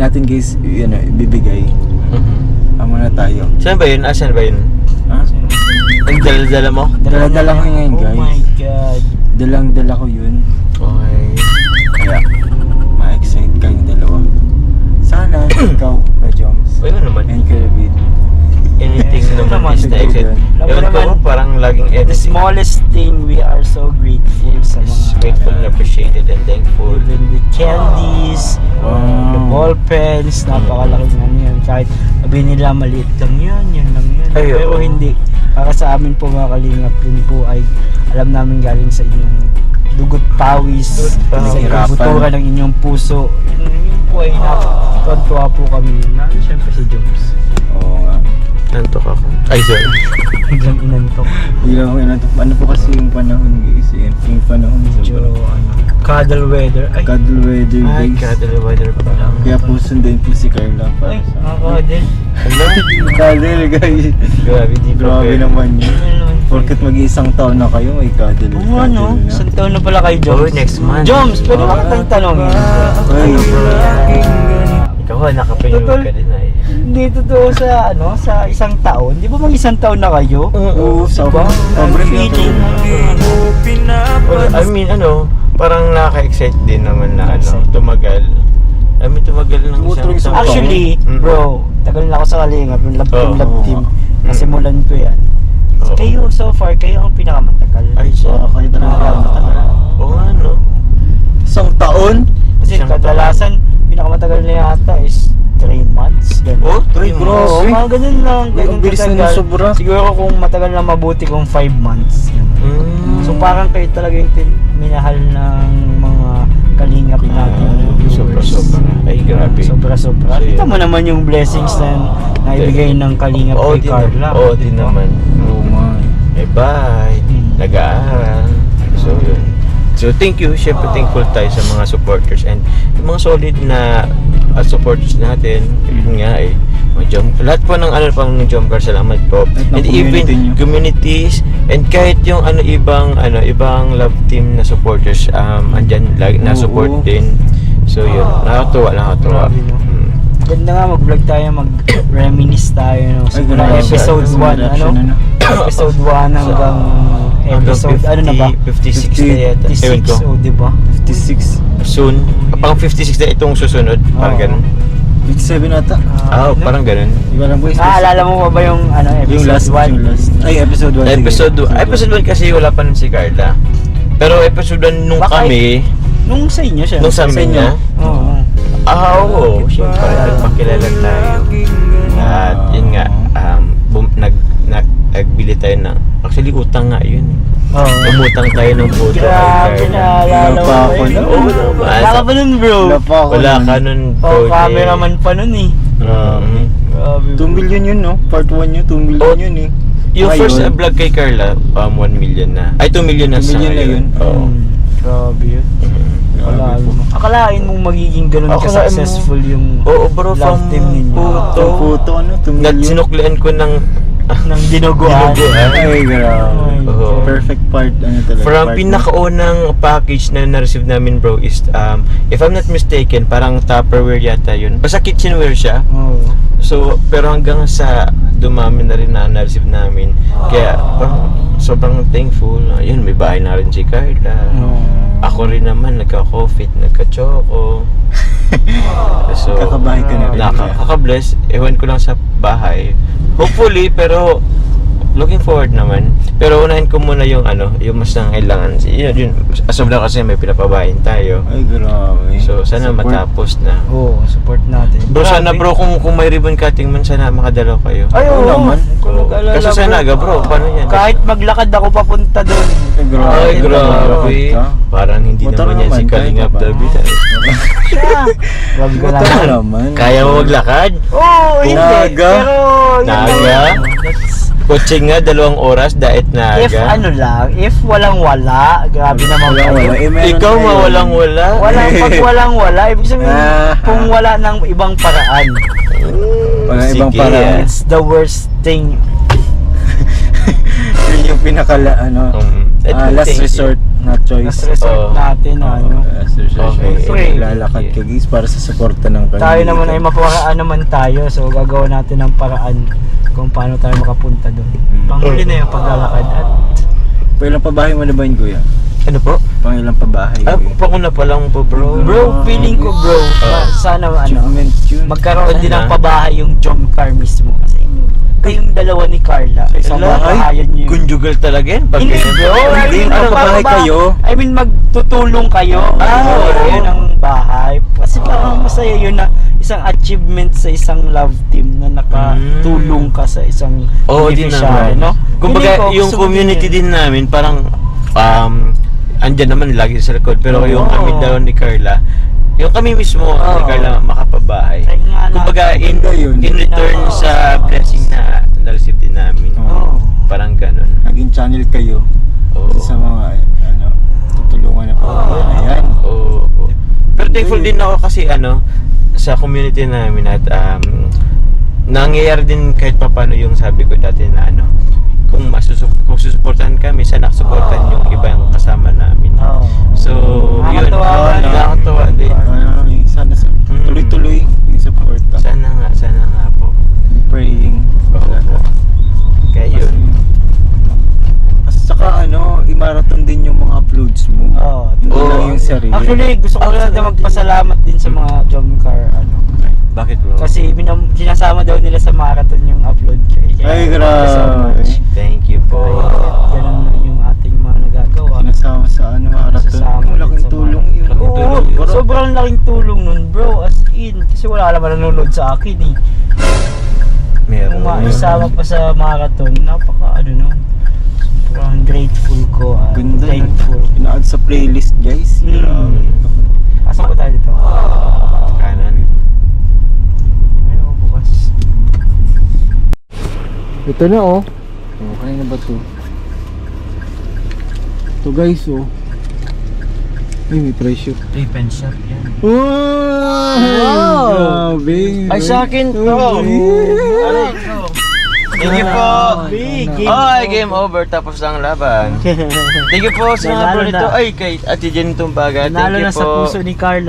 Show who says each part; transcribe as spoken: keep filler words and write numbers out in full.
Speaker 1: natin guys, yun, ibibigay.
Speaker 2: Mhm.
Speaker 1: Amo na tayo.
Speaker 2: Saan ba yun? Asan ba yun?
Speaker 1: Ha?
Speaker 2: Ang dala-dala mo?
Speaker 1: Dala-dala ko yun ngayon, guys.
Speaker 3: Oh my God.
Speaker 1: Dalang-dala ko yun.
Speaker 2: Okay.
Speaker 1: Kaya, ma-excite kayong dalawa. Sana, ikaw, Rajoms,
Speaker 2: Wala naman.
Speaker 1: and Kuya David.
Speaker 2: Anything
Speaker 3: Yes,
Speaker 2: naman
Speaker 3: naman.
Speaker 2: is na exit.
Speaker 3: Alam mo
Speaker 2: Ewan ko,
Speaker 3: naman,
Speaker 2: parang laging
Speaker 3: The
Speaker 2: editing.
Speaker 3: smallest thing, we are so grateful sa mga
Speaker 2: Grateful and appreciated and thankful.
Speaker 3: even the candies,
Speaker 1: Wow.
Speaker 3: the ball pens, napakalaking ano yan. Kahit sabi nila maliit lang yan, yan lang yan.
Speaker 2: Ay,
Speaker 3: Pero
Speaker 2: oo.
Speaker 3: hindi. Para sa amin po mga kalingap, yun po ay alam namin galing sa inyong dugot pawis,
Speaker 2: Dugot pawis.
Speaker 3: sa ibubutura ng inyong puso. Yun, yun po ay napatuwa po kami. Lalo siyempre si Joms.
Speaker 1: Oo nga.
Speaker 2: Nantok ako. Ay, sorry.
Speaker 3: Biglang inantok.
Speaker 1: Hindi lang ako inato. Ano po kasi yung panahon guys? Yung, yung panahon
Speaker 3: Medyo
Speaker 1: sobrang
Speaker 3: ano, cuddle weather. Ay,
Speaker 1: cuddle weather
Speaker 2: Ay,
Speaker 1: guys.
Speaker 2: cuddle weather pa lang.
Speaker 1: Kaya po sundin po si Carla para
Speaker 3: ay,
Speaker 1: sa
Speaker 3: nakaka-cuddle.
Speaker 2: Hello?
Speaker 1: cuddle guys.
Speaker 2: Grabe, di pa
Speaker 1: Grabe
Speaker 2: pwede.
Speaker 1: naman yun.
Speaker 3: Ano naman po?
Speaker 1: Porket mag-iisang taon na kayo, may cuddle.
Speaker 3: Oo ano,
Speaker 1: cuddle na.
Speaker 3: isang taon na pala kay Joms.
Speaker 2: Oh, next month.
Speaker 3: Joms, pwede ba kitang tanongin?
Speaker 1: Ay,
Speaker 2: Ikaw ha, nakapayong
Speaker 3: Totoo.
Speaker 2: ka din ay.
Speaker 3: Hindi totoo sa ano, sa isang taon. Di ba mag isang taon na kayo?
Speaker 1: oo, sa
Speaker 3: Diba?
Speaker 1: sobrang
Speaker 3: Feeling
Speaker 2: Well, I mean, ano, parang nakaka-excite din naman na ano,
Speaker 3: Excite.
Speaker 2: tumagal. I mean, tumagal ng
Speaker 1: Tumutulong
Speaker 2: isang
Speaker 1: sa-
Speaker 2: taon.
Speaker 3: Actually,
Speaker 2: Mm.
Speaker 3: bro, tagal na ako sa Kalingap, yung love team,
Speaker 2: Oo.
Speaker 3: love team.
Speaker 2: Mm.
Speaker 3: Nasimulan ko yan. So,
Speaker 2: Oo.
Speaker 3: kayo so far, kayo ang pinakamatagal.
Speaker 2: Ay, siya.
Speaker 1: Oo, kayo talaga
Speaker 3: Ah.
Speaker 1: matagal.
Speaker 2: Oo nga, no?
Speaker 1: Isang taon?
Speaker 3: Kasi
Speaker 2: Isang
Speaker 3: kadalasan, pinakamatagal na yata is three months. Ganun.
Speaker 2: Oh, three
Speaker 1: Ay,
Speaker 2: months.
Speaker 1: bro.
Speaker 3: Oo, mga ganun lang.
Speaker 1: Ay,
Speaker 3: Ganun
Speaker 1: ang bilis na
Speaker 3: katagal.
Speaker 1: ng sobra.
Speaker 3: Siguro kung matagal na mabuti kung five months. Ganun.
Speaker 2: Mm.
Speaker 3: So parang kayo talaga yung tin- minahal ng mga kalingap natin.
Speaker 2: Sobra-sobra. Ay, grabe.
Speaker 3: Sobra-sobra.
Speaker 2: So,
Speaker 3: Kita
Speaker 2: yun.
Speaker 3: mo naman yung blessings na naibigay ng kalingap
Speaker 2: Oo,
Speaker 3: kay
Speaker 2: din,
Speaker 3: Carla.
Speaker 2: oo, din naman.
Speaker 1: Oo man.
Speaker 2: Eh, bye.
Speaker 3: Hmm.
Speaker 2: Nag-aaral. So, yun. So, thank you. Siyempre, thankful tayo sa mga supporters and yung mga solid na uh, supporters natin. Yun nga eh. Mga jump, lahat po ng ano pang ng Jumper, salamat po.
Speaker 1: Lahat ng
Speaker 2: And even
Speaker 1: community nyo.
Speaker 2: communities and kahit yung ano ibang ano ibang love team na supporters um andyan lagi na support
Speaker 1: Oo.
Speaker 2: din. So yun, nakakatuwa, nakakatuwa.
Speaker 3: Grabe, no?
Speaker 2: Mm.
Speaker 3: Ganda nga mag-vlog tayo, mag-reminisce tayo. No?
Speaker 1: Ay,
Speaker 3: Simula
Speaker 1: grabe.
Speaker 3: episode
Speaker 1: Sa
Speaker 3: one, ano?
Speaker 1: reaction, ano?
Speaker 3: Episode one hanggang episode, ano na ba?
Speaker 2: fifty-six na yata. Ewan
Speaker 3: fifty-six,
Speaker 2: ko.
Speaker 3: oh, di ba?
Speaker 1: fifty-six.
Speaker 2: Soon. Pang fifty-six na itong susunod. Parang
Speaker 3: Oo.
Speaker 2: ganun.
Speaker 1: fifty-seven ata.
Speaker 2: Ah, oh, parang ganun.
Speaker 1: Di ba lang boys?
Speaker 3: Naalala mo pa ba yung ano,
Speaker 1: Yung
Speaker 3: episode
Speaker 1: last
Speaker 3: one?
Speaker 1: Yung last. Ay, episode one.
Speaker 2: Episode one. Episode one kasi wala pa nun si Carla. Pero episode one nung
Speaker 3: Baka-
Speaker 2: kami,
Speaker 3: Nung sa inyo siya.
Speaker 2: nung sa amin
Speaker 1: inyo?
Speaker 2: niya,
Speaker 3: Oo.
Speaker 2: ah, oo, syempre, nagpakilala tayo. At yun nga, um, bum, nag, nag, nagbili tayo ng, actually utang nga yun.
Speaker 3: Oo.
Speaker 2: Umutang tayo ng photo kay
Speaker 3: Grabe,
Speaker 2: Carla.
Speaker 3: naalala
Speaker 1: Wala
Speaker 3: mo
Speaker 1: pa
Speaker 3: ba
Speaker 1: ako
Speaker 3: yun?
Speaker 1: nun.
Speaker 2: Oo naman.
Speaker 3: Wala ka ba nun, bro?
Speaker 1: Wala pa ako.
Speaker 2: Wala
Speaker 1: nun.
Speaker 2: ka nun, bro.
Speaker 3: Oh, cameraman pa nun eh.
Speaker 2: Grabe.
Speaker 3: Grabe.
Speaker 1: two million yun, no? Part one yun, two million
Speaker 2: Oh,
Speaker 1: yun eh.
Speaker 2: Yung
Speaker 1: Ngayon,
Speaker 2: first uh, vlog kay Carla, um, one million na. Ay, two million na
Speaker 1: two
Speaker 2: sa
Speaker 1: million na
Speaker 2: ngayon.
Speaker 1: yun.
Speaker 2: Oo.
Speaker 3: Hmm, grabe yun. Akalain mo. Akalain mong magiging ganun
Speaker 2: Akalain mo-
Speaker 3: ka-successful yung
Speaker 2: Oo, bro,
Speaker 3: love
Speaker 2: from
Speaker 3: team ninyo.
Speaker 2: puto.
Speaker 1: Itong photo, ano? two
Speaker 2: Nat
Speaker 1: million.
Speaker 2: sinuklian ko ng
Speaker 3: ng dinuguan.
Speaker 2: dinuguan.
Speaker 1: Ay, grabe.
Speaker 2: Oo.
Speaker 1: Perfect part, ano talaga.
Speaker 2: From
Speaker 1: part
Speaker 2: pinakaunang package na na-receive namin, bro, is um, if I'm not mistaken, parang Tupperware yata yun. Basta kitchenware siya.
Speaker 3: Oo.
Speaker 2: So, pero hanggang sa dumami na rin na na-receive namin. Kaya, parang sobrang thankful. Ayun, may bahay na rin si Carla.
Speaker 3: Oo.
Speaker 2: Ako rin naman, nagka-coffee, nagka-choco. So,
Speaker 1: Kakabahay ka na rin.
Speaker 2: nakaka-bless. Ewan ko lang sa bahay. Hopefully, pero looking forward naman. Pero unahin ko muna yung ano, yung mas nangailangan. Yun, yun. As of now kasi may pinapabahin tayo.
Speaker 1: Ay, grabe.
Speaker 2: So, sana
Speaker 1: Support.
Speaker 2: matapos na.
Speaker 3: Oo, support natin.
Speaker 2: Bro, sana
Speaker 3: Grabe.
Speaker 2: bro, kung, kung may ribbon cutting man, sana makadalaw kayo.
Speaker 3: Ay, oo.
Speaker 1: Oo naman.
Speaker 3: Kung nag-alala,
Speaker 2: Kasi sa
Speaker 3: bro.
Speaker 2: Naga, bro, paano yan?
Speaker 3: Kahit maglakad ako papunta doon.
Speaker 1: Ay, grabe.
Speaker 2: Ay, grabe.
Speaker 1: Ka.
Speaker 2: Parang hindi
Speaker 1: Motor
Speaker 2: naman yan si
Speaker 1: naman,
Speaker 2: Kalingap
Speaker 1: kaya ka ba?
Speaker 2: David. eh.
Speaker 3: Siya. Grabe ka
Speaker 1: Motor
Speaker 3: naman.
Speaker 1: naman.
Speaker 2: Kaya mo maglakad?
Speaker 3: Oo, hindi.
Speaker 1: Naga.
Speaker 3: Pero, yun
Speaker 2: Naga?
Speaker 3: lang. That's-
Speaker 2: Kotse nga, dalawang oras, daet na
Speaker 3: If
Speaker 2: aga.
Speaker 3: ano lang, if walang wala, grabe naman
Speaker 1: Walang wala.
Speaker 3: kayo.
Speaker 1: Eh, meron
Speaker 2: Ikaw
Speaker 1: ngayon.
Speaker 2: mawalang wala.
Speaker 3: Walang pag walang wala, ibig sabihin
Speaker 1: Ah.
Speaker 3: kung wala ng ibang paraan.
Speaker 1: Walang ibang
Speaker 2: Sige,
Speaker 1: paraan.
Speaker 2: ah.
Speaker 3: It's the worst thing.
Speaker 1: Yun yung pinakala, ano,
Speaker 2: Um,
Speaker 1: ah, last
Speaker 2: thank you.
Speaker 1: resort na choice.
Speaker 3: Last resort
Speaker 2: Oo.
Speaker 3: natin,
Speaker 1: Oo,
Speaker 3: ano.
Speaker 1: last resort.
Speaker 2: Okay.
Speaker 1: Siyempre,
Speaker 3: Pray.
Speaker 1: lalakad maglalakad ka guys para sa suporta ng kanila.
Speaker 3: Tayo naman ay maparaan naman tayo. So gagawa natin ng paraan kung paano tayo makapunta doon. Panghuli na yung paglalakad at
Speaker 1: Pailang pabahay mo na ba yun, kuya?
Speaker 2: Ano po?
Speaker 1: Pangilang pabahay?
Speaker 2: Ah,
Speaker 1: kuya?
Speaker 2: panguna pa lang po bro.
Speaker 3: bro, feeling ko bro,
Speaker 2: Ah.
Speaker 3: sana ano,
Speaker 1: Achievement yun.
Speaker 3: magkaroon din ng
Speaker 2: Sana.
Speaker 3: pabahay yung John Car mismo. Kasi kayong dalawa ni Carla, isang
Speaker 2: Ala,
Speaker 3: bahayan niyo.
Speaker 2: Conjugal talaga yan. Pag
Speaker 3: Hindi
Speaker 2: ganyan.
Speaker 3: bro, I
Speaker 1: Hindi,
Speaker 3: mean,
Speaker 1: magpabahay
Speaker 3: magpapaba-
Speaker 1: kayo.
Speaker 3: I mean, magtutulong kayo.
Speaker 2: Ah,
Speaker 3: Oo,
Speaker 2: oo.
Speaker 3: yun ang bahay. Kasi parang masaya yun na isang achievement sa isang love team na nakatulong ka sa isang
Speaker 2: Oo, din
Speaker 3: beneficiary,
Speaker 2: naman.
Speaker 3: no?
Speaker 2: Kumbaga,
Speaker 3: Feeling ko,
Speaker 2: yung
Speaker 3: gusto ko
Speaker 2: community
Speaker 3: yun.
Speaker 2: din namin, parang, um, andyan naman lagi sa record. Pero
Speaker 3: Oo.
Speaker 2: yung kami daw ni Carla, yung kami mismo, ni
Speaker 3: Oo.
Speaker 2: Carla, makapabahay.
Speaker 3: Ay, nga na.
Speaker 2: Kumbaga, in,
Speaker 1: Maganda yun.
Speaker 2: in return
Speaker 3: Oo.
Speaker 2: sa blessing na na-receive din namin.
Speaker 1: Oo.
Speaker 2: Parang ganun.
Speaker 1: Naging channel kayo
Speaker 2: Oo.
Speaker 1: sa mga, ano, tutulungan na po. Ayan.
Speaker 2: Oo. oo. Pero thankful din ako kasi ano, sa community namin at um, nangyayari din kahit papano yung sabi ko dati na ano, kung masusup kung susuportahan kami, sana suportahan yung iba yung kasama namin.
Speaker 3: Oo.
Speaker 2: So, yun.
Speaker 3: Nakakatawa
Speaker 2: Oo,
Speaker 3: ba, no?
Speaker 2: nakakatawa din.
Speaker 1: Ay, sana sa,
Speaker 2: Mm.
Speaker 1: tuloy-tuloy yung support.
Speaker 2: Sana nga, sana nga po.
Speaker 1: Praying.
Speaker 2: Oo. Kaya yun.
Speaker 1: At saka ano, i-marathon din yung mga uploads mo.
Speaker 3: Oo.
Speaker 1: Hindi
Speaker 2: Oo.
Speaker 1: lang yung sarili.
Speaker 3: Actually, gusto ko lang na magpasalamat din sa mga John Car, ano.
Speaker 2: Bakit bro?
Speaker 3: Kasi binam- sinasama daw nila sa marathon yung upload ko. eh. Kaya,
Speaker 1: Ay,
Speaker 3: thank you so
Speaker 1: grabe.
Speaker 3: much.
Speaker 2: Thank you po.
Speaker 3: Kaya, ganun na yung ating mga nagagawa.
Speaker 1: Sinasama sa ano, marathon.
Speaker 3: Sasama din
Speaker 1: Malaking
Speaker 3: sa
Speaker 1: tulong yun.
Speaker 2: Laking
Speaker 3: Oo,
Speaker 2: tulong yun.
Speaker 3: sobrang laking tulong nun bro, as in. Kasi wala naman nanonood sa akin eh.
Speaker 2: Meron.
Speaker 3: Kung maisama pa sa marathon, napaka ano nun. Sobrang grateful ko. ah.
Speaker 1: Ganda na.
Speaker 3: Thankful.
Speaker 1: Ina-add sa playlist guys.
Speaker 3: Mm.
Speaker 1: Grabe.
Speaker 3: Pasok ko tayo dito.
Speaker 2: Kanan.
Speaker 3: Ano ko bukas?
Speaker 1: Ito na oh. Oh, kanina ba to? Ito guys oh. Ay, may presyo.
Speaker 3: Three pen shop yan.
Speaker 1: Wow! Grabe.
Speaker 3: Ay, sa akin to.
Speaker 1: Grabe.
Speaker 2: Thank you po.
Speaker 3: Big game.
Speaker 2: Ay, game over. Tapos ang laban. Thank you po sa mga
Speaker 3: Nanalo
Speaker 2: bro nito.
Speaker 3: na.
Speaker 2: Ay, kay Ate Jen Tumbaga. Thank
Speaker 3: Nanalo
Speaker 2: you
Speaker 3: na sa
Speaker 2: po.
Speaker 3: puso ni Carla.